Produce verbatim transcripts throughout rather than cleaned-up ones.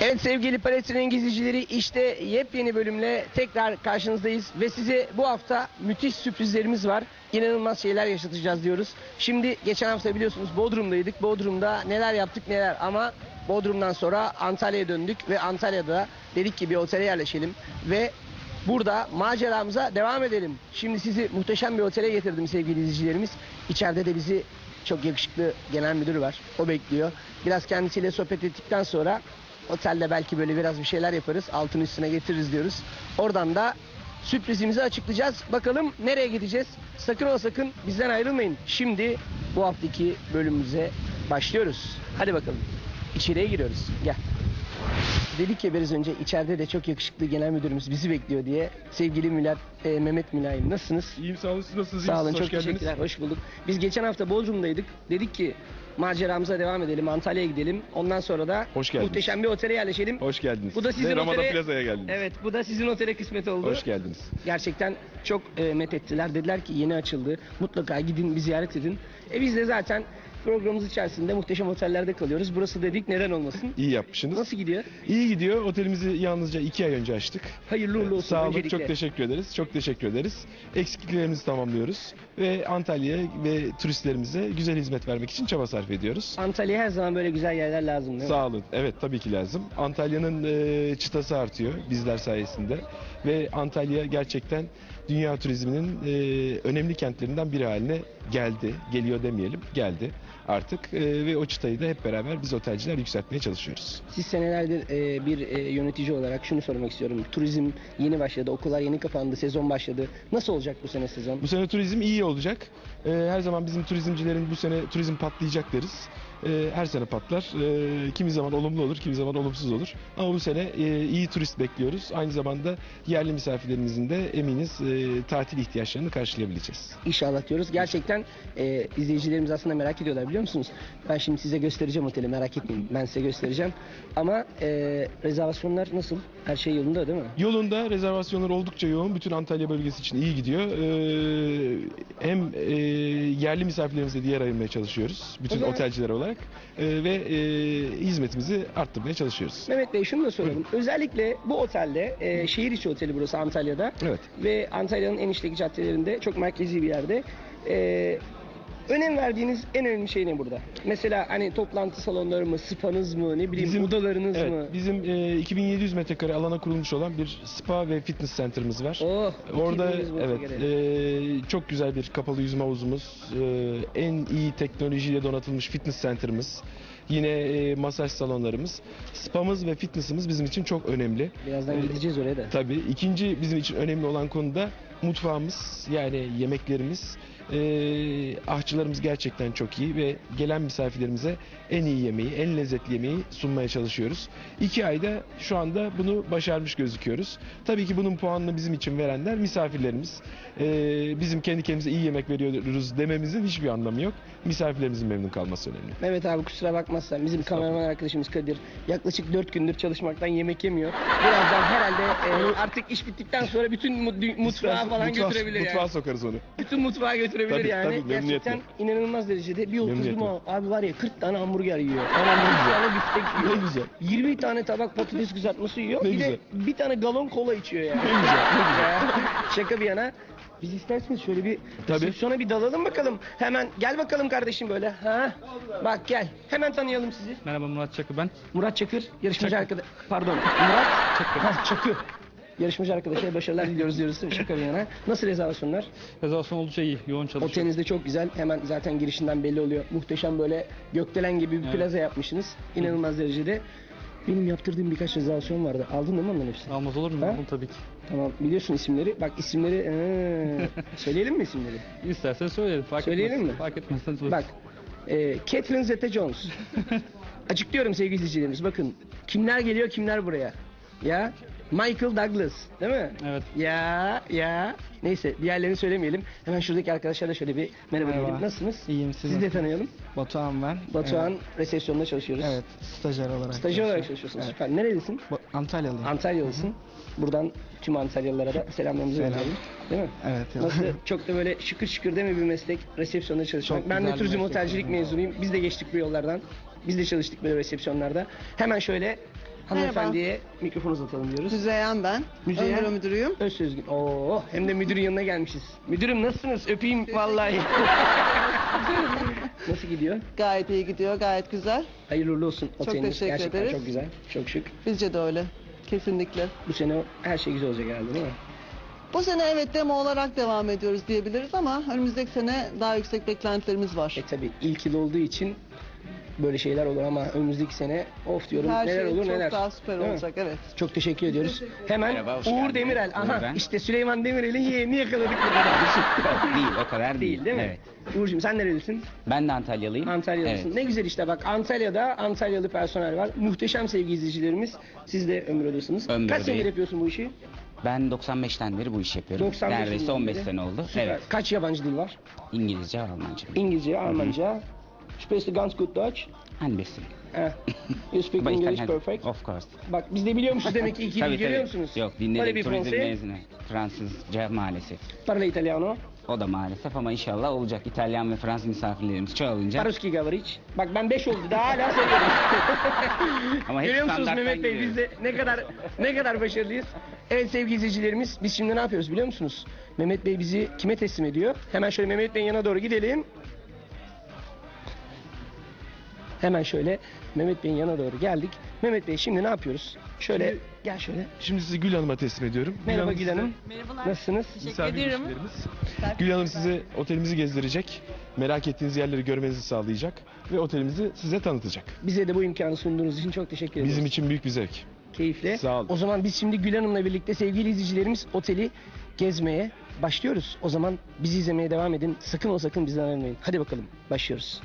Evet sevgili Palet Rengi izleyicileri, işte yepyeni bölümle tekrar karşınızdayız ve size bu hafta müthiş sürprizlerimiz var. İnanılmaz şeyler yaşatacağız diyoruz. Şimdi geçen hafta biliyorsunuz Bodrum'daydık. Bodrum'da neler yaptık neler, ama Bodrum'dan sonra Antalya'ya döndük ve Antalya'da dedik ki bir otele yerleşelim ve burada maceramıza devam edelim. Şimdi sizi muhteşem bir otele getirdim sevgili izleyicilerimiz. İçeride de bizi çok yakışıklı genel müdür var. O bekliyor. Biraz kendisiyle sohbet ettikten sonra otelde belki böyle biraz bir şeyler yaparız. Altın üstüne getiririz diyoruz. Oradan da sürprizimizi açıklayacağız. Bakalım nereye gideceğiz? Sakın ola sakın bizden ayrılmayın. Şimdi bu haftaki bölümümüze başlıyoruz. Hadi bakalım. İçeriye giriyoruz. Gel. Dedik ya biraz önce, içeride de çok yakışıklı genel müdürümüz bizi bekliyor diye. Sevgili Mülat, e, Mehmet Mülayim, nasılsınız? İyiyim, sağ olun. Siz nasılsınız? Sağ olun, Hoş çok geldiniz. teşekkürler, hoş bulduk. Biz geçen hafta Bodrum'daydık. Dedik ki maceramıza devam edelim, Antalya'ya gidelim. Ondan sonra da Hoş geldiniz. muhteşem bir otele yerleşelim. Hoş geldiniz. Bu da sizin Ve Ramada otele- Plaza'ya geldiniz. Evet, bu da sizin otele kısmet oldu. Hoş geldiniz. Gerçekten çok e, methettiler. Dediler ki yeni açıldı. Mutlaka gidin, bir ziyaret edin. E biz de zaten programımız içerisinde muhteşem otellerde kalıyoruz. Burası dedik, neden olmasın? İyi yapmışsınız. Nasıl gidiyor? İyi gidiyor. Otelimizi yalnızca iki ay önce açtık. Hayırlı uğurlu olsun Sağ olun. öncelikle. Çok teşekkür ederiz. Çok teşekkür ederiz. Eksikliklerimizi tamamlıyoruz. Ve Antalya'ya ve turistlerimize güzel hizmet vermek için çaba sarf ediyoruz. Antalya'ya her zaman böyle güzel yerler lazım değil mi? Sağ olun. Evet, tabii ki lazım. Antalya'nın e, çıtası artıyor bizler sayesinde. Ve Antalya gerçekten dünya turizminin e, önemli kentlerinden biri haline geldi. Geliyor demeyelim, geldi artık. E, ve o çıtayı da hep beraber biz otelciler yükseltmeye çalışıyoruz. Siz senelerdir e, bir e, yönetici olarak şunu sormak istiyorum. Turizm yeni başladı, okullar yeni kapandı, sezon başladı. Nasıl olacak bu sene sezon? Bu sene turizm iyi olacak. E, her zaman bizim turizmcilerin bu sene turizm patlayacak deriz. E, her sene patlar. E, kimi zaman olumlu olur, kimi zaman olumsuz olur. Ama bu sene e, iyi turist bekliyoruz. Aynı zamanda yerli misafirlerimizin de eminiz e, tatil ihtiyaçlarını karşılayabileceğiz. İnşallah diyoruz. Gerçekten e, izleyicilerimiz aslında merak ediyorlar, biliyor musunuz? Ben şimdi size göstereceğim oteli, merak etmeyin. Ben size göstereceğim. Ama e, rezervasyonlar nasıl? Her şey yolunda değil mi? Yolunda, rezervasyonlar oldukça yoğun. Bütün Antalya bölgesi için iyi gidiyor. Ee, hem e, yerli misafirlerimize diğer ayırmaya çalışıyoruz. Bütün O zaman- otelciler olarak. Ee, ve e, hizmetimizi arttırmaya çalışıyoruz. Mehmet Bey, şunu da soralım. Özellikle bu otelde, e, şehir içi oteli burası Antalya'da. Evet. Ve Antalya'nın en işlek caddelerinde, çok merkezi bir yerde. E, önem verdiğiniz en önemli şey ne burada? Mesela hani toplantı salonları mı, spanız mı, ne bileyim Bizim- odalarınız Evet, mı? bizim e, iki bin yedi yüz metrekare alana kurulmuş olan bir spa ve fitness center'ımız var. Oh, Orada iki bin yüz evet metrekare. e, çok güzel bir kapalı yüzme havuzumuz, e, en iyi teknolojiyle donatılmış fitness center'ımız, yine e, masaj salonlarımız, spamız ve fitness'ımız bizim için çok önemli. Birazdan E, gideceğiz oraya da. Tabii. İkinci bizim için önemli olan konu da mutfağımız, yani yemeklerimiz. Ee, ahçılarımız gerçekten çok iyi ve gelen misafirlerimize en iyi yemeği, en lezzetli yemeği sunmaya çalışıyoruz. İki ayda şu anda bunu başarmış gözüküyoruz. Tabii ki bunun puanını bizim için verenler misafirlerimiz. Ee, bizim kendi kendimize iyi yemek veriyoruz dememizin hiçbir anlamı yok. Misafirlerimizin memnun kalması önemli. Mehmet abi, kusura bakmazsan bizim kameraman arkadaşımız Kadir yaklaşık dört gündür çalışmaktan yemek yemiyor. Birazdan herhalde e, artık iş bittikten sonra bütün mu- mutfağa falan Mutfağa- götürebilir Mutfağa yani. sokarız onu. Bütün mutfağa götürebilir Tabii, yani. tabii, memnuniyetle. Gerçekten inanılmaz derecede. Bir oturdum Memnuniyetle. abi, var ya kırk tane hamburger yiyor. Aman ne bir güzel. tane biftek yiyor. Ne güzel. yirmi tane tabak patates kızartması yiyor. Ne bir güzel. de bir tane galon kola içiyor yani. Ne güzel, ne güzel. Ya, şaka bir yana. Biz isterseniz şöyle bir Tabii. resepsiyona bir dalalım bakalım. Hemen gel bakalım kardeşim böyle. Ha? Bak gel. Hemen tanıyalım sizi. Merhaba, Murat Çakı ben. Murat Çakır, yarışmacı Çakır. arkadaş. Pardon, Murat Çakır. Ha, Çakır. Yarışmacı arkadaşa başarılar diliyoruz diyoruz. Şaka bir yana. Nasıl rezervasyonlar? Rezervasyon oldukça iyi, yoğun çalışıyor. Oteliniz de çok güzel. Hemen zaten girişinden belli oluyor. Muhteşem böyle gökdelen gibi bir Evet. plaza yapmışsınız. İnanılmaz derecede. Benim yaptırdığım birkaç rezervasyon vardı. Aldın değil mi onların hepsini? Almaz olur mu? Ha? Aldım tabii ki. Tamam, biliyorsun isimleri. Bak isimleri. ee, söyleyelim mi isimleri? İstersen söyleyelim, fark Söyleyelim etmez. mi? Fark etmez. Hadi buyur. Bak. E, Catherine Zeta-Jones. Açıklıyorum sevgili izleyicilerimiz. Bakın kimler geliyor, kimler buraya. Ya Michael Douglas, değil mi? Evet. Ya ya. Neyse, diğerlerini söylemeyelim. Hemen şuradaki arkadaşlarla şöyle bir merhaba, Merhaba. diyelim. Nasılsınız? İyiyim, siz Siz de nasılsınız? tanıyalım. Batuhan ben. Batuhan, Evet, resepsiyonda çalışıyoruz. evet, stajyer olarak. Stajyer olarak çalışıyorum. çalışıyorsunuz. Evet. Süper. Nerelisin? Bu- Antalyalıyım. Antalyalısın. Buradan tüm Antalyalılara da selamlarımızı Selam. gönderelim. Değil mi? Evet. Nasıl, çok da böyle şıkır şıkır değil mi bir meslek, resepsiyonda çalışmak. Çok Ben de güzel bir turizm meslek. otelcilik mezunuyum. Biz de geçtik bu yollardan. Biz de çalıştık böyle resepsiyonlarda. Hemen şöyle Hanımefendiye mikrofon uzatalım diyoruz. Müzeyyen ben. Müzeyyen. Ön büro müdürüyüm. Özsözgün. Oo, hem de müdürün yanına gelmişiz. Müdürüm nasılsınız? Öpeyim vallahi. Nasıl gidiyor? Gayet iyi gidiyor, gayet güzel. Hayırlı uğurlu olsun. Çok Oteliniz teşekkür gerçekten ederiz. çok güzel. Çok şık. Bizce de öyle. Kesinlikle. Bu sene her şey güzel olacak herhalde değil mi? Bu sene evet demo olarak devam ediyoruz diyebiliriz ama önümüzdeki sene daha yüksek beklentilerimiz var. E tabi ilk yıl olduğu için böyle şeyler olur ama önümüzdeki sene of diyorum Her neler şey olur çok neler. daha süper Değil mi? olacak, evet. Çok teşekkür ediyoruz. Hemen Merhaba, hoş Uğur geldiniz. Demirel. Aha Uğur ben. işte Süleyman Demirel'in yeğenini yakaladık burada. Yok, değil, o kadar değil. Değil değil mi? Evet. Uğur'cum sen nerelisin? Ben de Antalyalıyım. Antalyalısın. Evet. Ne güzel işte bak Antalya'da Antalyalı personel var. Muhteşem sevgili izleyicilerimiz. Siz de ömür odasınız. Ömür Kaç senedir Oda'yı. yapıyorsun bu işi? Ben doksan beşten beri bu işi yapıyorum. doksan beş Neredeyse yıldan on beş beri. sene oldu. Süper. Evet. Kaç yabancı dil var? İngilizce, Almanca. İngilizce, Almanca. Sprichst du ganz gut Deutsch? Ein bisschen. Eh. You speak But English Italian- perfect. Of course. Bak biz de biliyormuşuz demek ki iki dil Tabii görüyor tabii. musunuz? Yok, Böyle dinledim bir turizm Fransız. mezunu. Fransızca maalesef. Parla italiano. O da maalesef ama inşallah olacak. İtalyan ve Fransız misafirlerimiz çoğalınca. Paruski Gavric. Bak ben beş oldu daha hala söylüyorum. Ama hep Görüyor musunuz standarttan Mehmet Bey biz gidiyoruz. de ne kadar ne kadar başarılıyız. Evet sevgili izleyicilerimiz biz şimdi ne yapıyoruz biliyor musunuz? Mehmet Bey bizi kime teslim ediyor? Hemen şöyle Mehmet Bey'in yanına doğru gidelim. Hemen şöyle Mehmet Bey'in yanına doğru geldik. Mehmet Bey şimdi ne yapıyoruz? Şöyle Şimdi- gel şöyle. Şimdi sizi Gül Hanım'a teslim ediyorum. Merhaba Hanım Gül size Hanım. Merhabalar. Nasılsınız? misafir ilişkilerimiz. Gül Hanım size otelimizi gezdirecek. Merak ettiğiniz yerleri görmenizi sağlayacak. Ve otelimizi size tanıtacak. Bize de bu imkanı sunduğunuz için çok teşekkür ederiz. Bizim için büyük bir zevk. Keyifle. Sağ olun. O zaman biz şimdi Gül Hanım'la birlikte sevgili izleyicilerimiz oteli gezmeye başlıyoruz. O zaman bizi izlemeye devam edin. Sakın o sakın bizden ayrılmayın. Hadi bakalım başlıyoruz.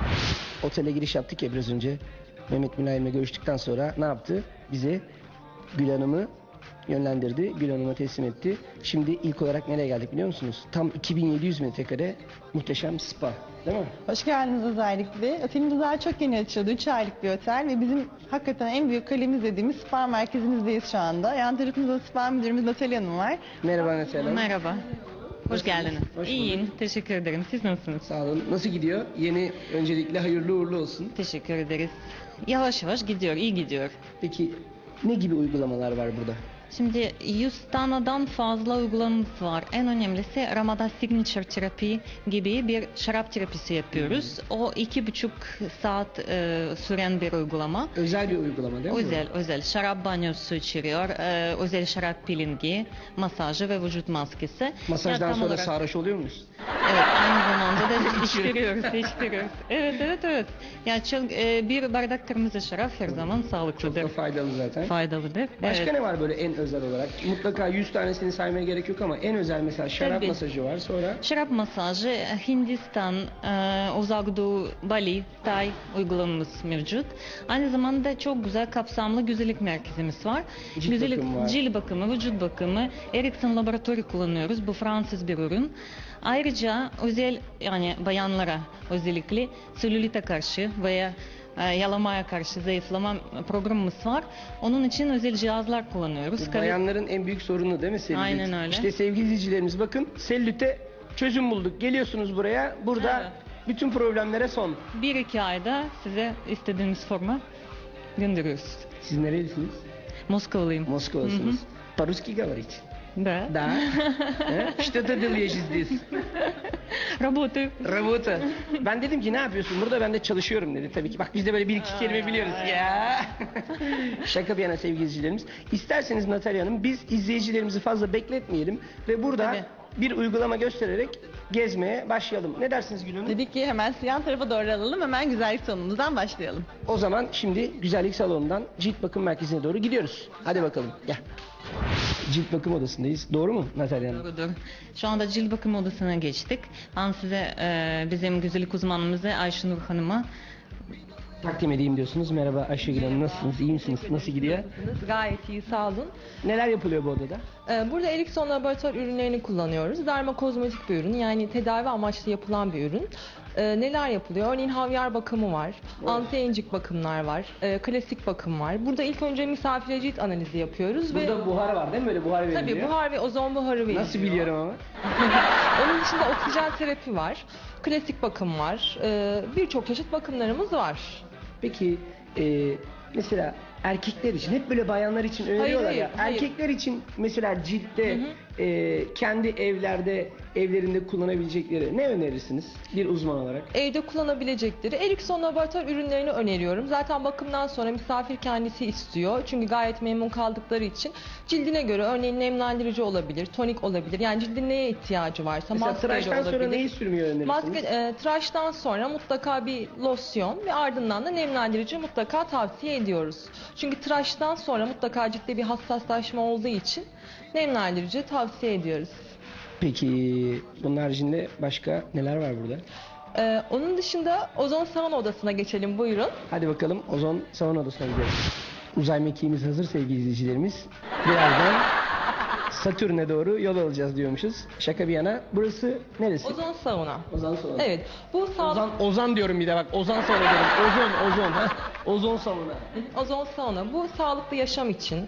Otele giriş yaptık ya biraz önce. Mehmet Mülayim'le görüştükten sonra ne yaptı? Bize Gül Hanım'ı yönlendirdi. Gül Hanım'a teslim etti. Şimdi ilk olarak nereye geldik biliyor musunuz? Tam iki bin yedi yüz metrekare muhteşem spa. Değil mi? Hoş geldiniz özellikle. Otelimiz daha çok yeni açıldı. üç aylık bir otel ve bizim hakikaten en büyük kalemiz dediğimiz spa merkezimizdeyiz şu anda. Yan tarafımızda spa müdürümüz Natalya Hanım var. Merhaba Neslihan Hanım. Merhaba. Hoş geldiniz. Hoş İyiyim. bulduk. Teşekkür ederim. Siz nasılsınız? Sağ olun. Nasıl gidiyor? Yeni öncelikle hayırlı uğurlu olsun. Teşekkür ederiz. Yavaş yavaş gidiyor. iyi gidiyor. Peki ne gibi uygulamalar var burada? Şimdi yüz taneden fazla uygulamamız var. En önemlisi Ramada Signature Terapi gibi bir şarap terapisi yapıyoruz. O iki buçuk saat e, süren bir uygulama. Özel bir uygulama değil mi? Özel, özel. Şarap banyosu içeriyor. e, özel şarap peelingi, masajı ve vücut maskesi. Masajdan Ya tam sonra olarak- sarhoş oluyor muyuz? Evet, aynı zamanda da içtiriyoruz, içtiriyoruz. Evet, evet, evet. Yani çok, e, bir bardak kırmızı şarap her zaman Çok sağlıklıdır, da faydalı zaten. faydalıdır. Başka Evet. ne var böyle en özel olarak? Mutlaka yüz tanesini saymaya gerek yok ama en özel mesela şarap Tabii. masajı var. Sonra Şarap masajı, Hindistan, e, Uzak Doğu, Bali, Tay uygulamamız mevcut. Aynı zamanda çok güzel kapsamlı güzellik merkezimiz var. Cilt güzellik, bakımı var. cilt bakımı, vücut bakımı, Ericsson laboratuvarı kullanıyoruz. Bu Fransız bir ürün. Ayrıca özel yani bayanlara özellikle selülite karşı veya e, yalamaya karşı zayıflama programımız var. Onun için özel cihazlar kullanıyoruz. bu bayanların en büyük sorunu değil mi selülit? Aynen öyle. İşte sevgili izleyicilerimiz bakın selülite çözüm bulduk. Geliyorsunuz buraya. Burada Evet. bütün problemlere son. Bir iki ayda size istediğiniz forma gönderiyoruz. Siz nerelisiniz? Moskovalıyım. Moskova'sınız. Paruski Gavric. Да. Да. Э? Что ты делаешь здесь? Работаю. Работа. Ben dedim ki ne yapıyorsun? Burada ben de çalışıyorum dedi. Tabii ki bak biz de böyle bir iki kelime biliyoruz ya. Şaka bir yana sevgili izleyicilerimiz. İsterseniz Natalya Hanım biz izleyicilerimizi fazla bekletmeyelim ve burada Tabii. bir uygulama göstererek gezmeye başlayalım. Ne dersiniz Gül Hanım? Dedik ki hemen yan tarafa doğru alalım. Hemen güzellik salonumuzdan başlayalım. O zaman şimdi güzellik salonundan cilt bakım merkezine doğru gidiyoruz. Hadi bakalım gel. Cilt bakım odasındayız. Doğru mu Natalya Hanım? Doğrudur. Şu anda cilt bakım odasına geçtik. Ben size e, bizim güzellik uzmanımızı Ayşenur Hanım'a Takdim edeyim diyorsunuz. Merhaba Ayşegül Hanım nasılsınız? İyi misiniz? Nasıl gidiyor? Gayet iyi, sağ olun. Neler yapılıyor bu odada? Ee, Burada Ericsson laboratuvar ürünlerini kullanıyoruz. Derma kozmetik bir ürün, yani tedavi amaçlı yapılan bir ürün. Ee, neler yapılıyor? Örneğin havyar bakımı var, anti-aging bakımlar var, e, klasik bakım var. Burada ilk önce misafire cilt analizi yapıyoruz ve Burada buhar var değil mi? Böyle buhar veriliyor. tabii buhar ve ozon buharı veriliyor. Nasıl biliyorum ama? Onun dışında oksijen terapi var, klasik bakım var, ee, birçok çeşit bakımlarımız var. Peki e, mesela erkekler için hep böyle bayanlar için öneriyorlar hayır, ya. hayır. Erkekler için mesela ciltte e, kendi evlerde evlerinde kullanabilecekleri ne önerirsiniz bir uzman olarak? Evde kullanabilecekleri Ericsson laboratuvar ürünlerini öneriyorum. Zaten bakımdan sonra misafir kendisi istiyor. Çünkü gayet memnun kaldıkları için cildine göre örneğin nemlendirici olabilir, tonik olabilir. Yani cildin neye ihtiyacı varsa Mesela maskeyle tıraştan sonra olabilir. neyi sürmeyi önerirsiniz? Maske, e, tıraştan sonra mutlaka bir losyon ve ardından da nemlendirici mutlaka tavsiye ediyoruz. Çünkü tıraştan sonra mutlaka ciltte bir hassaslaşma olduğu için nemlendirici tavsiye ediyoruz. Peki bunun haricinde başka neler var burada? Ee, onun dışında ozon sauna odasına geçelim, buyurun. Hadi bakalım ozon sauna odasına gidiyoruz. Uzay mekiğimiz hazır sevgili izleyicilerimiz. Birazdan Satürn'e doğru yol alacağız diyormuşuz. Şaka bir yana. Burası neresi? Ozon sauna. Ozon sauna. Evet. Bu sağlık Ozan, Ozan diyorum bir de bak. Ozan sauna diyorum. Ozon, ozon. Ha? Ozon sauna. ozon sauna bu sağlıklı yaşam için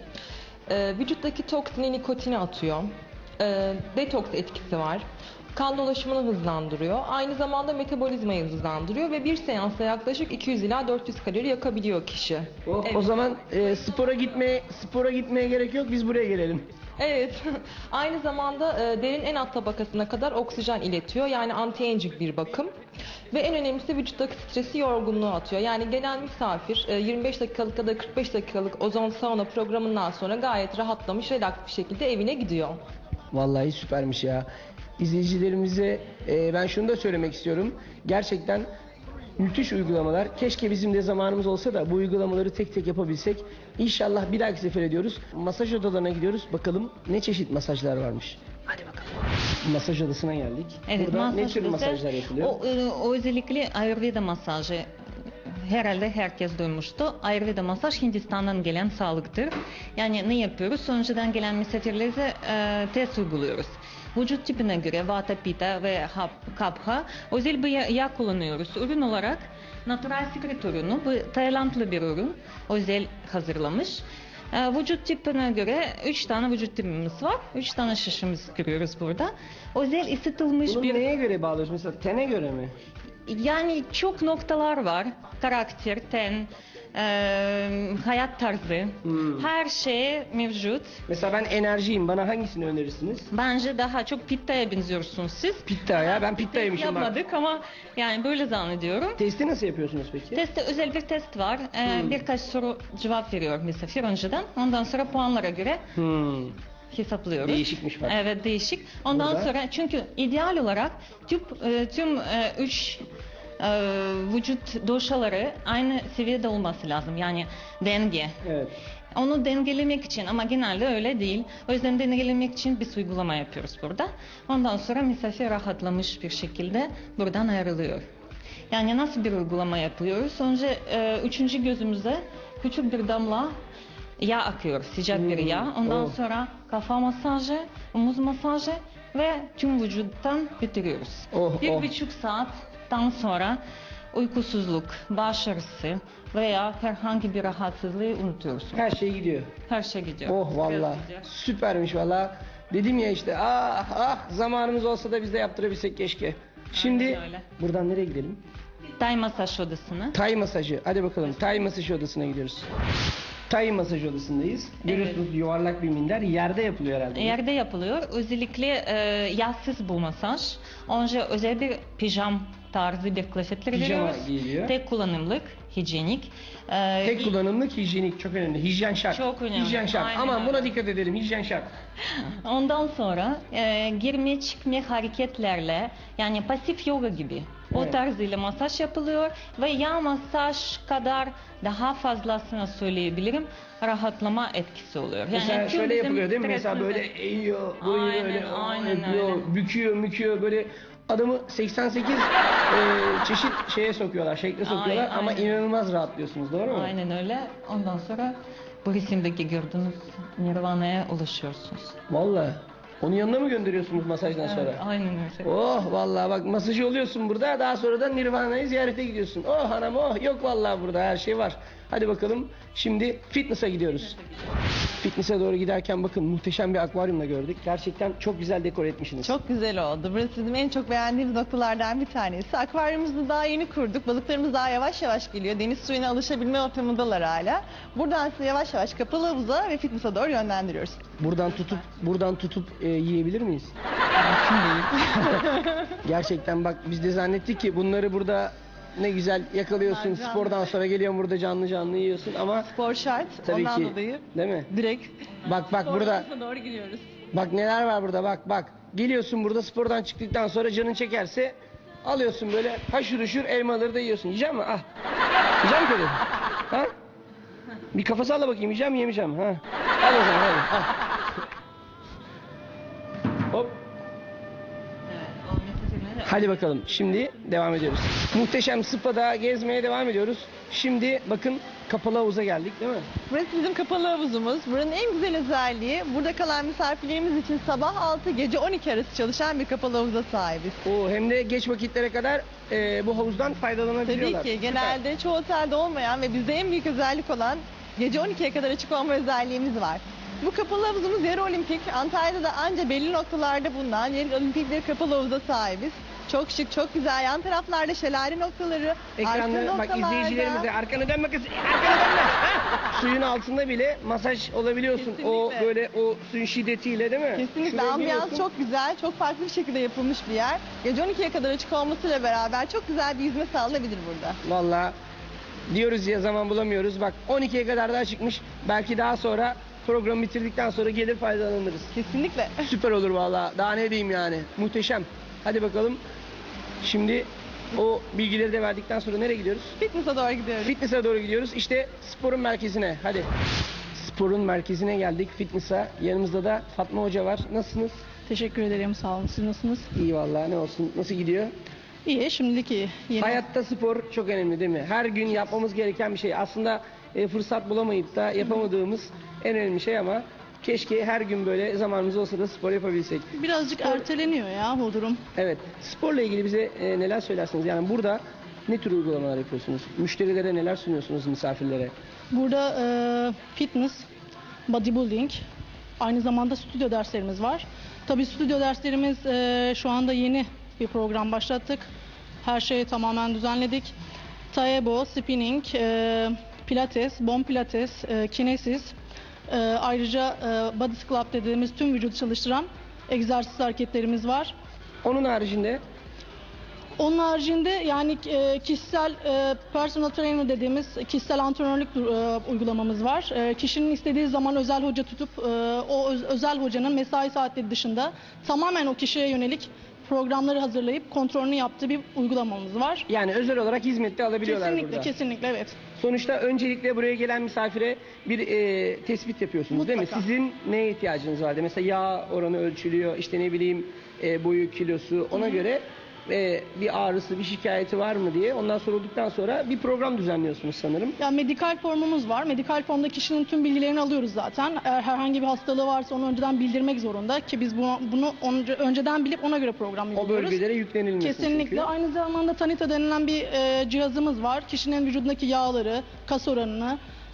e, vücuttaki toksini, nikotini atıyor. E, detoks etkisi var. Kan dolaşımını hızlandırıyor. Aynı zamanda metabolizmayı hızlandırıyor ve bir seansta yaklaşık iki yüz ila dört yüz kalori yakabiliyor kişi. O, Evet. o zaman e, spora gitmeye spora gitmeye gerek yok. Biz buraya gelelim. Evet. Aynı zamanda e, derinin en alt tabakasına kadar oksijen iletiyor. Yani anti-aging bir bakım. Ve en önemlisi vücuttaki stresi, yorgunluğu atıyor. Yani gelen misafir e, yirmi beş dakikalık ya da kırk beş dakikalık ozon sauna programından sonra gayet rahatlamış, relax bir şekilde evine gidiyor. Vallahi süpermiş ya. İzleyicilerimize e, ben şunu da söylemek istiyorum. Gerçekten müthiş uygulamalar. Keşke bizim de zamanımız olsa da bu uygulamaları tek tek yapabilsek. İnşallah bir dahaki sefer ediyoruz. Masaj odalarına gidiyoruz. Bakalım ne çeşit masajlar varmış. Hadi bakalım. Masaj odasına geldik. Evet, Burada ne masaj tür odası, masajlar yapılıyor? O, e, o özellikle Ayurveda masajı. Herhalde herkes duymuştu. Ayurveda masaj Hindistan'dan gelen sağlıktır. Yani ne yapıyoruz? Önceden gelen misafirlere e, test uyguluyoruz. Vücut tipine göre Vata, Pitta ve Kapha özel bir yağ kullanıyoruz. Ürün olarak Natural Secret ürünü. Bu Taylandlı bir ürün. Özel hazırlamış. E, vücut tipine göre üç tane vücut tipimiz var. üç tane şişimiz görüyoruz burada. Özel ısıtılmış Bunu bir... neye göre bağlıyoruz? Mesela tene göre mi? Yani çok noktalar var. Karakter, ten, e, hayat tarzı. Hmm. Her şey mevcut. Mesela ben enerjiyim. Bana hangisini önerirsiniz? Bence daha çok Pitta'ya benziyorsunuz siz. Pitta ya. Ben Test pittaymışım bak. yapmadık ama yani böyle zannediyorum. Testi nasıl yapıyorsunuz peki? Testte özel bir test var. E, Hmm. Birkaç soru cevap veriyor misafir önceden. Ondan sonra puanlara göre Hmm. hesaplıyoruz. Değişikmiş bak. Evet, değişik. Ondan Burada. sonra çünkü ideal olarak tüm, e, tüm e, üç e, vücut dosyaları aynı seviyede olması lazım. Yani denge. Evet. Onu dengelemek için ama genelde öyle değil. O yüzden dengelemek için bir uygulama yapıyoruz burada. Ondan sonra misafir rahatlamış bir şekilde buradan ayrılıyor. Yani nasıl bir uygulama yapıyoruz? Önce e, üçüncü gözümüze küçük bir damla yağ akıyor, sıcak bir yağ. Ondan Oh. sonra kafa masajı, omuz masajı ve tüm vücuttan bitiriyoruz. Oh, bir oh. buçuk saatten sonra uykusuzluk, baş ağrısı veya herhangi bir rahatsızlığı unutuyorsun. Her şey gidiyor. Her şey gidiyor. Oh valla. Biraz gidiyor. Süpermiş valla. Dedim ya işte ah ah zamanımız olsa da biz de yaptırabilsek keşke. Şimdi Aynen öyle. buradan nereye gidelim? Tay masaj odasına. Tay masajı. Hadi bakalım tay masaj odasına gidiyoruz. Tay masaj odasındayız. Görüyorsunuz yuvarlak bir minder. Yerde yapılıyor herhalde. Yerde yapılıyor. Özellikle e, yağsız bu masaj. Önce özel bir pijam tarzı bir kıyafetler Pijama veriyoruz. giyiliyor. Tek kullanımlık, hijyenik. E, Tek kullanımlık hijyenik çok önemli. Hijyen şart. Çok önemli. Hijyen şart. Aynen Aman öyle. buna dikkat edelim. Hijyen şart. Ondan sonra e, girme çıkma hareketlerle yani pasif yoga gibi o Evet. tarzıyla masaj yapılıyor ve yağ masaj kadar daha fazlasını söyleyebilirim rahatlama etkisi oluyor. Yani Mesela tüm şöyle bizim yapılıyor değil mi? Mesela stresimizi- böyle eğiyor, böyle Aynen, böyle aynen yapıyor, öyle. büküyor, müküyor böyle adamı seksen sekiz e, çeşit şeye sokuyorlar, şekle sokuyorlar Aynen, ama aynen. inanılmaz rahatlıyorsunuz, doğru mu? Aynen öyle. Ondan sonra bu resimdeki gördüğünüz nirvana'ya ulaşıyorsunuz. Vallahi. Onun yanına mı gönderiyorsunuz masajdan sonra? Evet, aynen öyle. Oh vallahi bak masajı oluyorsun burada, daha sonra da Nirvana'yı ziyarete gidiyorsun. Oh hanım oh, yok vallahi burada her şey var. Hadi bakalım şimdi fitness'a gidiyoruz. Fitness'e doğru giderken bakın muhteşem bir akvaryumla gördük. Gerçekten çok güzel dekor etmişsiniz. Çok güzel oldu. Burası bizim en çok beğendiğimiz noktalardan bir tanesi. Akvaryumumuzu daha yeni kurduk. Balıklarımız daha yavaş yavaş geliyor. Deniz suyuna alışabilme ortamındalar hala. Buradan sizi yavaş yavaş kapalı havuza ve fitness'a doğru yönlendiriyoruz. Buradan tutup buradan tutup e, yiyebilir miyiz? Gerçekten bak biz de zannettik ki bunları burada ne güzel yakalıyorsun. Canlı. Spordan sonra geliyorsun burada canlı canlı yiyorsun ama Spor şart. tabii Ondan ki dolayı değil mi? direkt Bak bak burada doğru gidiyoruz. bak neler var burada bak bak. Geliyorsun burada spordan çıktıktan sonra canın çekerse alıyorsun böyle haşır huşur elmaları da yiyorsun. Yiyecek misin? Ah. Yiyecek misin? Ha? Bir kafa salla bakayım yiyeceğim mi yemeyeceğim mi? Ha. Al o zaman hadi. Al. Hop. Hadi bakalım şimdi devam ediyoruz. Muhteşem Spa'da gezmeye devam ediyoruz. Şimdi bakın kapalı havuza geldik değil mi? Burası bizim kapalı havuzumuz. Buranın en güzel özelliği burada kalan misafirlerimiz için sabah altı gece on iki arası çalışan bir kapalı havuza sahibiz. Oo, hem de geç vakitlere kadar e, bu havuzdan faydalanabiliyorlar. Tabii ki genelde çoğu otelde olmayan ve bizde en büyük özellik olan gece on ikiye kadar açık olma özelliğimiz var. Bu kapalı havuzumuz yarı olimpik. Antalya'da da anca belli noktalarda bulunan yarı olimpik bir kapalı havuza sahibiz. Çok şık, çok güzel. Yan taraflarda şelale noktaları, Ekranda arka bak noktalarda- izleyicilerimize arkanı dönme kız, arkanı dönme. Ha! Suyun altında bile masaj olabiliyorsun. O Kesinlikle. böyle o suyun şiddetiyle değil mi? Kesinlikle Şuraya ambiyans giriyorsun. çok güzel, çok farklı bir şekilde yapılmış bir yer. Gece on ikiye kadar açık olmasıyla beraber çok güzel bir yüzme sağlanabilir burada. Vallahi diyoruz ya zaman bulamıyoruz. Bak on ikiye kadar daha çıkmış. Belki daha sonra programı bitirdikten sonra gelir faydalanırız. Kesinlikle. Süper olur vallahi. Daha ne diyeyim yani. Muhteşem. Hadi bakalım. Şimdi o bilgileri de verdikten sonra nereye gidiyoruz? Fitness'a doğru gidiyoruz. Fitness'a doğru gidiyoruz. İşte sporun merkezine. Hadi. Sporun merkezine geldik. Fitness'a. Yanımızda da Fatma Hoca var. Nasılsınız? Teşekkür ederim, sağ olun. Siz nasılsınız? İyi vallahi ne olsun. Nasıl gidiyor? İyi, şimdilik iyi. Yeni... Hayatta spor çok önemli değil mi? Her gün yapmamız gereken bir şey. Aslında e, fırsat bulamayıp da yapamadığımız en önemli şey ama keşke her gün böyle zamanımız olsa da spor yapabilsek. Birazcık erteleniyor ya bu durum. Evet. Sporla ilgili bize e, neler söylersiniz? Yani burada ne tür uygulamalar yapıyorsunuz? Müşterilere neler sunuyorsunuz, misafirlere? Burada e, fitness, bodybuilding, aynı zamanda stüdyo derslerimiz var. Tabii stüdyo derslerimiz e, şu anda yeni bir program başlattık. Her şeyi tamamen düzenledik. Taebo, spinning, e, pilates, bone pilates, e, kinesis, e, ayrıca e, body sculpt dediğimiz tüm vücudu çalıştıran egzersiz hareketlerimiz var. Onun haricinde Onun haricinde yani e, kişisel e, personal trainer dediğimiz kişisel antrenörlük e, uygulamamız var. E, kişinin istediği zaman özel hoca tutup e, o öz- özel hocanın mesai saatleri dışında tamamen o kişiye yönelik programları hazırlayıp kontrolünü yaptığı bir uygulamamız var. yani özel olarak hizmette alabiliyorlar Kesinlikle, burada. kesinlikle evet. Sonuçta öncelikle buraya gelen misafire bir e, tespit yapıyorsunuz değil mi? Mutlaka. Sizin neye ihtiyacınız var? Mesela yağ oranı ölçülüyor, işte ne bileyim e, boyu, kilosu ona göre e, bir ağrısı, bir şikayeti var mı diye ondan sorulduktan sonra bir program düzenliyorsunuz sanırım. Yani medikal formumuz var. Medikal formda kişinin tüm bilgilerini alıyoruz zaten. Eğer herhangi bir hastalığı varsa onu önceden bildirmek zorunda ki biz bunu, bunu onca- önceden bilip ona göre program O uyguluyoruz. bölgelere yüklenilmesi Kesinlikle. çünkü. Aynı zamanda Tanita denilen bir e, cihazımız var. Kişinin vücudundaki yağları, kas oranını,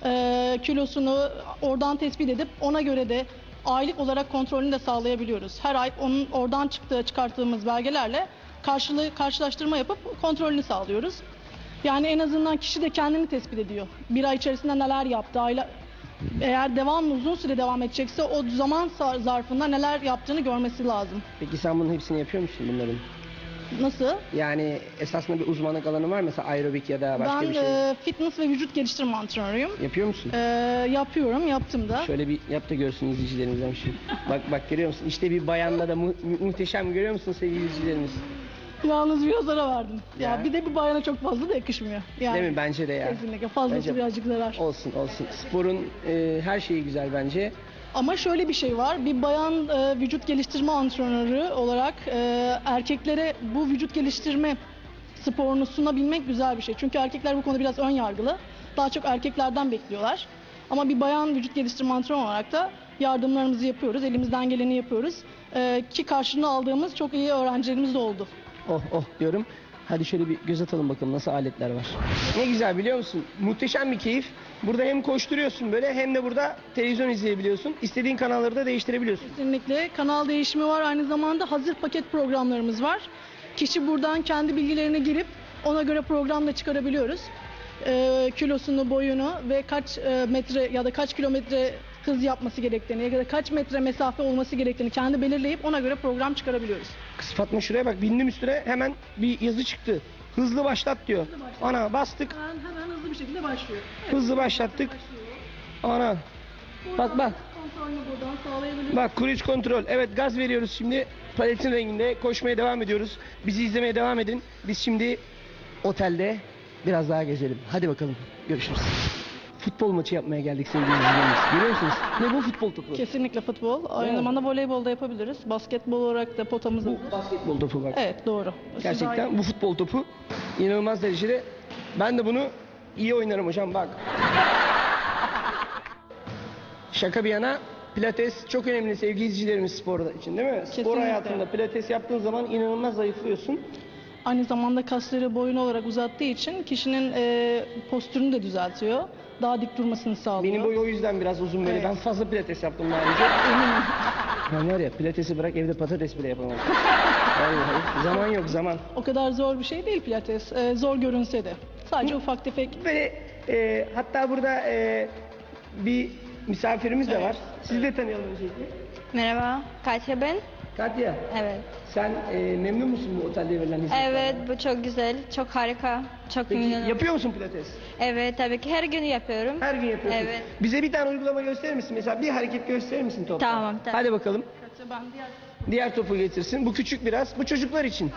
e, kilosunu oradan tespit edip ona göre de aylık olarak kontrolünü de sağlayabiliyoruz. Her ay onun oradan çıktığı çıkarttığımız belgelerle karşılığı karşılaştırma yapıp kontrolünü sağlıyoruz. Yani en azından kişi de kendini tespit ediyor. Bir ay içerisinde neler yaptı, ayla, eğer devamlı uzun süre devam edecekse o zaman sa- zarfında neler yaptığını görmesi lazım. Peki sen bunun hepsini yapıyor musun bunların? Nasıl? Yani esasında bir uzmanlık alanı var mı? Mesela aerobik ya da başka Ben bir şey. e, fitness ve vücut geliştirme antrenörüyüm. Yapıyor musun? E, yapıyorum, yaptım da. Şöyle bir yap da görsün izleyicilerimizden şimdi. Bak bak görüyor musun? İşte bir bayanla da mu- mu- muhteşem görüyor musun sevgili izleyicilerimiz? Yalnız biraz ara verdim. Ya. Ya. bir de bir bayana çok fazla da yakışmıyor. Yani, Değil mi? Bence de ya. Kesinlikle. Fazlası Bence- birazcık zarar. Olsun olsun. Sporun e, her şeyi güzel bence. Ama şöyle bir şey var. Bir bayan e, vücut geliştirme antrenörü olarak e, erkeklere bu vücut geliştirme sporunu sunabilmek güzel bir şey. Çünkü erkekler bu konuda biraz ön yargılı. Daha çok erkeklerden bekliyorlar. Ama bir bayan vücut geliştirme antrenörü olarak da yardımlarımızı yapıyoruz. Elimizden geleni yapıyoruz. E, ki karşılığını aldığımız çok iyi öğrencilerimiz de oldu. Oh oh diyorum. Hadi şöyle bir göz atalım bakalım nasıl aletler var. Ne güzel biliyor musun? Muhteşem bir keyif. Burada hem koşturuyorsun böyle hem de burada televizyon izleyebiliyorsun. İstediğin kanalları da değiştirebiliyorsun. Kesinlikle. Kanal değişimi var. Aynı zamanda hazır paket programlarımız var. Kişi buradan kendi bilgilerini girip ona göre program da çıkarabiliyoruz. Ee, kilosunu, boyunu ve kaç e, metre ya da kaç kilometre hız yapması gerektiğini ya da kaç metre mesafe olması gerektiğini kendi belirleyip ona göre program çıkarabiliyoruz. Kız Fatma şuraya bak, bindim üstüne, hemen bir yazı çıktı. Hızlı başlat diyor. Ana bastık, Hemen, hemen hızlı bir şekilde başlıyor. Evet, hızlı başlattık. Ana. Bak bak. kontrolünü buradan sağlayabiliyoruz. Bak, cruise kontrol. Evet, gaz veriyoruz şimdi. Paletin renginde koşmaya devam ediyoruz. Bizi izlemeye devam edin. Biz şimdi otelde biraz daha gezelim. Hadi bakalım. Görüşürüz. Futbol maçı yapmaya geldik sevgili izleyicilerimiz. Görüyor musunuz? Ne bu, futbol topu? Kesinlikle futbol. Aynı Evet. zamanda voleybol da yapabiliriz. Basketbol olarak da potamız Bu hazır. basketbol topu bak. Evet, doğru. Siz daha iyi- Gerçekten bu futbol topu inanılmaz derecede. Ben de bunu iyi oynarım hocam, bak. Şaka bir yana, pilates çok önemli sevgili izleyicilerimiz spor için, değil mi? Spor Kesinlikle. hayatında pilates yaptığın zaman inanılmaz zayıflıyorsun. Aynı zamanda kasları boyun olarak uzattığı için kişinin e, postürünü de düzeltiyor. Daha dik durmasını sağlıyor. Benim boy o yüzden biraz uzun böyle. Evet. Ben fazla pilates yaptım daha önce. Ben var ya, pilatesi bırak evde patates bile yapamam. Vallahi zaman yok, zaman. O kadar zor bir şey değil pilates. E, zor görünse de. Sadece ufak tefek. Böyle e, hatta burada e, bir misafirimiz de var. Sizi de tanıyalım öncelikle. Merhaba, Katya ben. Katya, Evet. sen e, memnun musun bu otelde verilen hizmetlerden? Evet, bu çok güzel, çok harika, çok Peki memnunum. yapıyor musun pilates? Evet, tabii ki her gün yapıyorum. Her gün yapıyorsun. Evet. Bize bir tane uygulama gösterir misin? Mesela bir hareket gösterir misin topla? Tamam, tamam. Hadi bakalım. Ben diğer Diğer topu getirsin. Bu küçük biraz. Bu çocuklar için.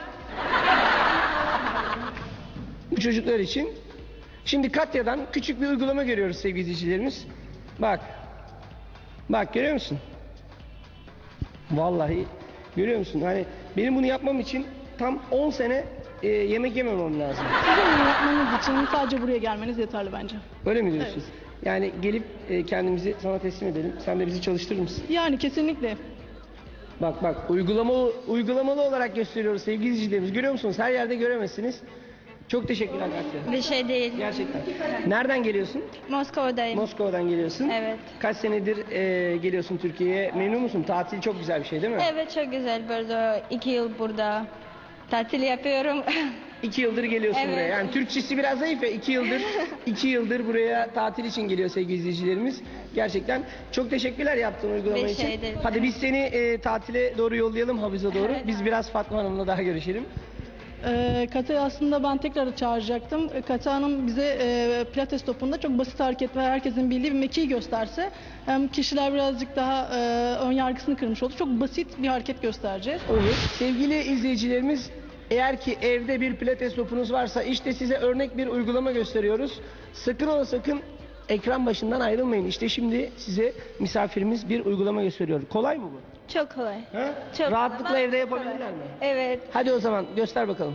Bu çocuklar için. Şimdi Katya'dan küçük bir uygulama görüyoruz sevgili izleyicilerimiz. Bak. Bak, görüyor musun? Vallahi görüyor musun? Hani benim bunu yapmam için tam on sene e, yemek yememem lazım. Sizin bunu yapmanız için sadece buraya gelmeniz yeterli bence. Öyle mi diyorsun? Yani gelip e, kendimizi sana teslim edelim. Sen de bizi çalıştırır mısın? Yani kesinlikle. Bak bak, uygulamalı uygulamalı olarak gösteriyoruz sevgili izleyicilerimiz. Görüyor musunuz? Her yerde göremezsiniz. Çok teşekkürler Katya. Bir şey değil. Gerçekten. Nereden geliyorsun? Moskova'dayım. Moskova'dan geliyorsun. Evet. Kaç senedir e, geliyorsun Türkiye'ye? Memnun musun? Tatil çok güzel bir şey değil mi? Evet, çok güzel. Burada iki yıl burada tatil yapıyorum. İki yıldır geliyorsun Evet. buraya. Yani Türkçesi biraz zayıf ya. İki yıldır, iki yıldır buraya tatil için geliyor sevgili izleyicilerimiz. Gerçekten çok teşekkürler yaptığın uygulama Bir için. şey değil. Hadi biz seni e, tatile doğru yollayalım, havuza doğru. Evet. Biz biraz Fatma Hanım'la daha görüşelim. Ee, Kata'yı aslında ben tekrar çağıracaktım. Ee, Kata Hanım bize e, pilates topunda çok basit hareket ve herkesin bildiği bir mekiği gösterse hem kişiler birazcık daha e, ön yargısını kırmış olur. Çok basit bir hareket göstereceğiz. Olur. Sevgili izleyicilerimiz, eğer ki evde bir pilates topunuz varsa işte size örnek bir uygulama gösteriyoruz. Sakın ola sakın ekran başından ayrılmayın. İşte şimdi size misafirimiz bir uygulama gösteriyor. Kolay mı bu? Çok kolay. Ha? Çok Rahatlıkla kolay. evde yapabilirler mi? Evet. Hadi o zaman göster bakalım.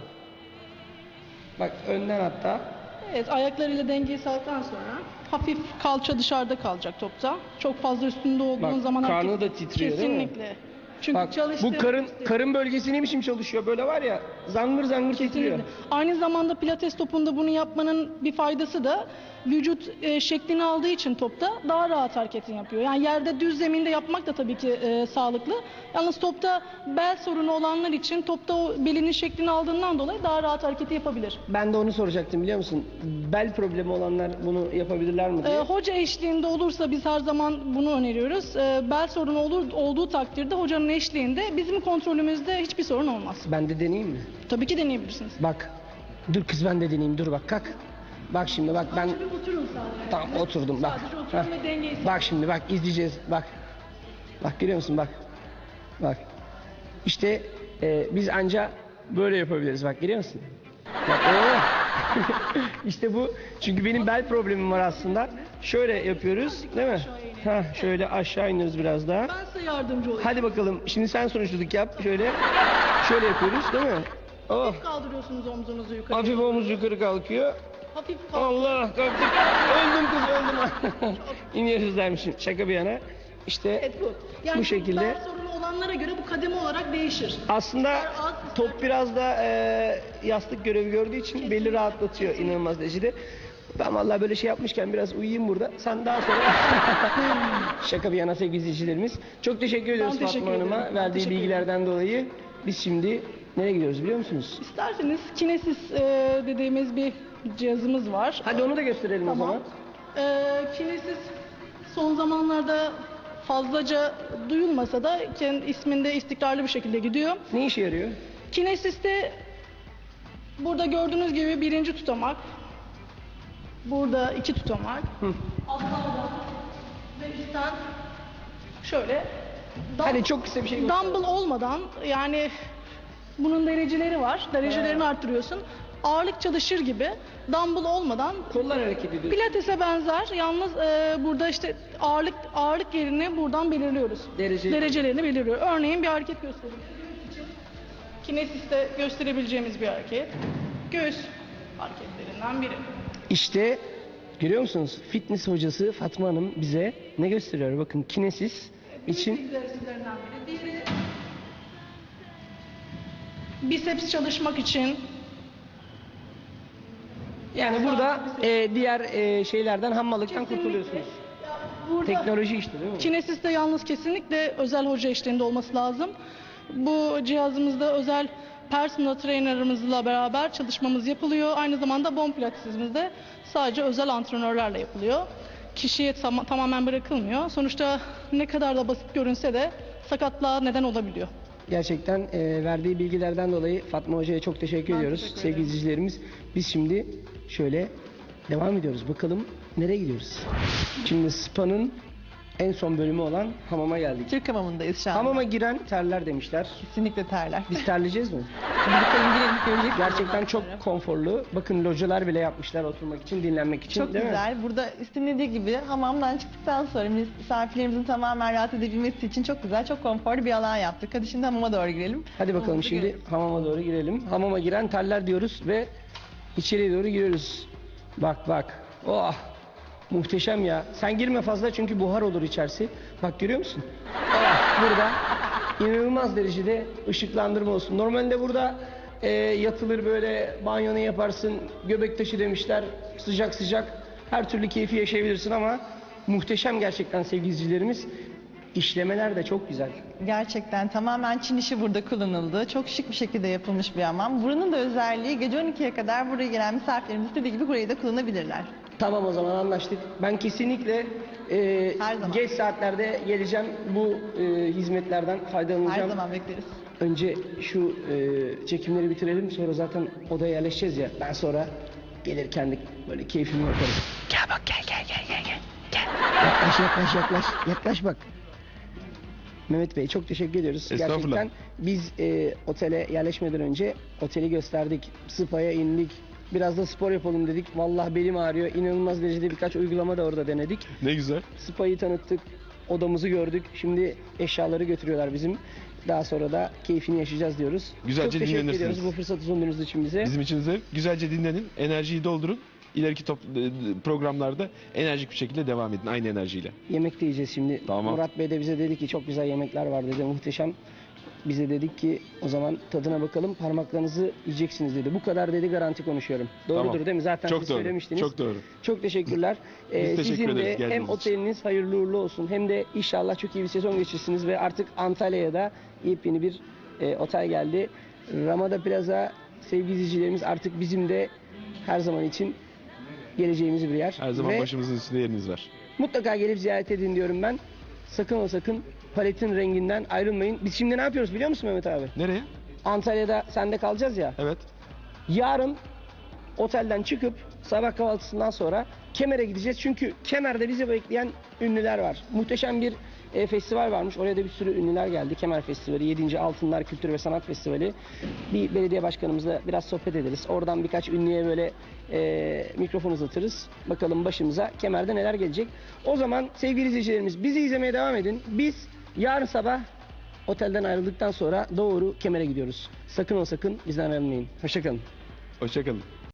Bak önden hatta. Evet, ayaklarıyla dengeyi sağladıktan sonra hafif kalça dışarıda kalacak topta. Çok fazla üstünde olduğun Bak, zaman karnı hareket- da titriyor, değil mi? Kesinlikle. Çünkü Bak bu çalıştığımız- karın karın bölgesi ne biçim çalışıyor, böyle var ya, zangır zangır titriyor. Kesinlikle. Aynı zamanda pilates topunda bunu yapmanın bir faydası da vücut e, şeklini aldığı için topta daha rahat hareketini yapıyor. Yani yerde düz zeminde yapmak da tabii ki e, sağlıklı. Yalnız topta bel sorunu olanlar için topta o belinin şeklini aldığından dolayı daha rahat hareketi yapabilir. Ben de onu soracaktım, biliyor musun? Bel problemi olanlar bunu yapabilirler mi diye. E, hoca eşliğinde olursa biz her zaman bunu öneriyoruz. E, bel sorunu olur, olduğu takdirde hocanın eşliğinde bizim kontrolümüzde hiçbir sorun olmaz. Ben de deneyeyim mi? Tabii ki deneyebilirsiniz. Bak. Dur kız, ben de deneyeyim. Dur bak, kalk. Bak şimdi bak ben... Bir oturun sadece. Tamam, oturdum bak. Sadece oturun Heh. ve dengeyi Bak şimdi bak, izleyeceğiz. Bak. Bak, görüyor musun? Bak. Bak. İşte e, biz anca böyle yapabiliriz. Bak, görüyor musun? Bak. Oo. İşte bu. Çünkü benim bel problemim var aslında. Şöyle yapıyoruz, değil mi? Ha, şöyle aşağı iniyoruz biraz daha. Ben size yardımcı olayım. Hadi bakalım. Şimdi sen sonuçluluk yap. Şöyle. Şöyle yapıyoruz, değil mi? Oh. Hafif kaldırıyorsunuz omzunuzu yukarı. Hafif omuz yukarı kalkıyor. Hafif kaldır. Allah, kalktık. Öldüm kız, öldüm. İniyoruz dermişim. Şaka bir yana. İşte Evet, bu. Yani bu şekilde. bel sorunu olanlara göre bu kademe olarak değişir. Aslında top biraz da e, yastık görevi gördüğü için belli rahatlatıyor inanılmaz derecede. Ben vallahi böyle şey yapmışken biraz uyuyayım burada. Sen daha sonra... Şaka bir yana sevgili izleyicilerimiz. Çok teşekkür ediyoruz teşekkür Fatma Hanım'a ederim. Ben verdiği teşekkür bilgilerden dolayı. Biz şimdi nereye gidiyoruz biliyor musunuz? İsterseniz Kinesis e, dediğimiz bir cihazımız var. Hadi onu da gösterelim o Tamam. zaman. E, Kinesis son zamanlarda fazlaca duyulmasa da kendi isminde istikrarlı bir şekilde gidiyor. Ne işe yarıyor? Kinesis'te burada gördüğünüz gibi birinci tutamak, burada iki tutamak, altlarda ve üstten şöyle dum- Hadi çok kısa bir şey göster. dumbbell olmadan, yani bunun dereceleri var. Derecelerini arttırıyorsun. Ağırlık çalışır gibi dumbbell olmadan Kollar hareket ediyor. pilatese benzer. Yalnız e, burada işte ağırlık ağırlık yerini buradan belirliyoruz. Derece- Derecelerini belirliyor. Örneğin bir hareket göstereyim. Kinesis'te gösterebileceğimiz bir hareket. Göğüs hareketlerinden biri. İşte görüyor musunuz? Fitness hocası Fatma Hanım bize ne gösteriyor? Bakın kinesis için egzersizlerinden biri. Diğeri biceps çalışmak için. yani burada e, diğer e, şeylerden hammallıktan kurtuluyorsunuz. Burada Teknoloji işte değil mi? Kinesis'te yalnız kesinlikle özel hoca eşliğinde olması lazım. Bu cihazımızda özel personal trainer'ımızla beraber çalışmamız yapılıyor. Aynı zamanda bone pilates'imizde sadece özel antrenörlerle yapılıyor. Kişiye tam- tamamen bırakılmıyor. Sonuçta ne kadar da basit görünse de sakatlığa neden olabiliyor. Gerçekten e, verdiği bilgilerden dolayı Fatma Hoca'ya çok teşekkür Ben ediyoruz teşekkür sevgili ederim. izleyicilerimiz. Biz şimdi şöyle devam ediyoruz. Bakalım nereye gidiyoruz? Şimdi spa'nın en son bölümü olan hamama geldik. Türk hamamındayız şu an. Hamama giren terler demişler. Kesinlikle terler. Biz terleyeceğiz mi? Şimdi bakalım girelim göreceksiniz. Gerçekten çok konforlu. Bakın localar bile yapmışlar oturmak için, dinlenmek için. Çok değil mi? güzel. Burada istinlediği gibi hamamdan çıktıktan sonra misafirlerimizin tamamen rahat edebilmesi için çok güzel, çok konforlu bir alan yaptık. Hadi şimdi hamama doğru girelim. Hadi bakalım Hamamımızı şimdi görelim. hamama doğru girelim. Hamama giren terler diyoruz ve içeriye doğru giriyoruz. Bak bak. Oh! Muhteşem ya. Sen girme fazla çünkü buhar olur içerisi. Bak görüyor musun? Oh, burada inanılmaz derecede ışıklandırma olsun. Normalde burada e, yatılır böyle banyonu yaparsın. Göbek taşı demişler. Sıcak sıcak. Her türlü keyfi yaşayabilirsin ama muhteşem gerçekten sevgili izleyicilerimiz. İşlemeler de çok güzel. Gerçekten tamamen Çin işi burada kullanıldı. Çok şık bir şekilde yapılmış bir hamam. Buranın da özelliği gece on ikiye kadar buraya gelen misafirlerimiz istediği gibi burayı da kullanabilirler. Tamam o zaman anlaştık. Ben kesinlikle e, Her zaman. geç saatlerde geleceğim. Bu e, hizmetlerden Her faydalanacağım. zaman bekleriz. Önce şu e, çekimleri bitirelim. Sonra zaten odaya yerleşeceğiz ya. Ben sonra gelir kendi böyle keyfimi yaparım. Gel bak gel gel gel gel gel. Gel. Yaklaş yaklaş yaklaş. Yaklaş bak. Mehmet Bey çok teşekkür ediyoruz. Estağfurullah. Gerçekten biz e, otele yerleşmeden önce oteli gösterdik. Spa'ya indik. Biraz da spor yapalım dedik. Vallahi belim ağrıyor. İnanılmaz derecede birkaç uygulama da orada denedik. Ne güzel. Spa'yı tanıttık. Odamızı gördük. Şimdi eşyaları götürüyorlar bizim. Daha sonra da keyfini yaşayacağız diyoruz. Güzelce Çok teşekkür dinlenirsiniz. ediyoruz bu fırsatı sunduğunuz için bize. Bizim için zevk. Güzelce dinlenin. Enerjiyi doldurun. İleriki top, e, programlarda enerjik bir şekilde devam edin. Aynı enerjiyle. Yemek de yiyeceğiz şimdi. Tamam. Murat Bey de bize dedi ki çok güzel yemekler var dedi. Muhteşem. Bize dedik ki o zaman tadına bakalım, parmaklarınızı yiyeceksiniz dedi. Bu kadar dedi, garanti konuşuyorum. Doğrudur Tamam. değil mi? Zaten Çok siz doğru. söylemiştiniz. Çok doğru. Çok teşekkürler. Biz Ee, teşekkür sizin de ederiz hem geldiğiniz için. oteliniz hayırlı uğurlu olsun hem de inşallah çok iyi bir sezon geçirsiniz ve artık Antalya'ya da yepyeni bir e, otel geldi. Ramada Plaza sevgili izleyicilerimiz artık bizim de her zaman için geleceğimiz bir yer. Her zaman Ve başımızın üstünde yeriniz var. mutlaka gelip ziyaret edin diyorum ben. Sakın o sakın paletin renginden ayrılmayın. Biz şimdi ne yapıyoruz biliyor musun Mehmet abi? Nereye? Antalya'da sende kalacağız ya. Evet. Yarın otelden çıkıp sabah kahvaltısından sonra Kemer'e gideceğiz. Çünkü Kemer'de bizi bekleyen ünlüler var. Muhteşem bir e, festival varmış. Oraya da bir sürü ünlüler geldi. Kemer Festivali, yedinci Altınlar Kültür ve Sanat Festivali. Bir belediye başkanımızla biraz sohbet ederiz. Oradan birkaç ünlüye böyle e, mikrofon uzatırız. Bakalım başımıza Kemer'de neler gelecek. O zaman sevgili izleyicilerimiz bizi izlemeye devam edin. Biz yarın sabah otelden ayrıldıktan sonra doğru Kemer'e gidiyoruz. Sakın o sakın bizden ayrılmayın. Hoşçakalın. Hoşçakalın.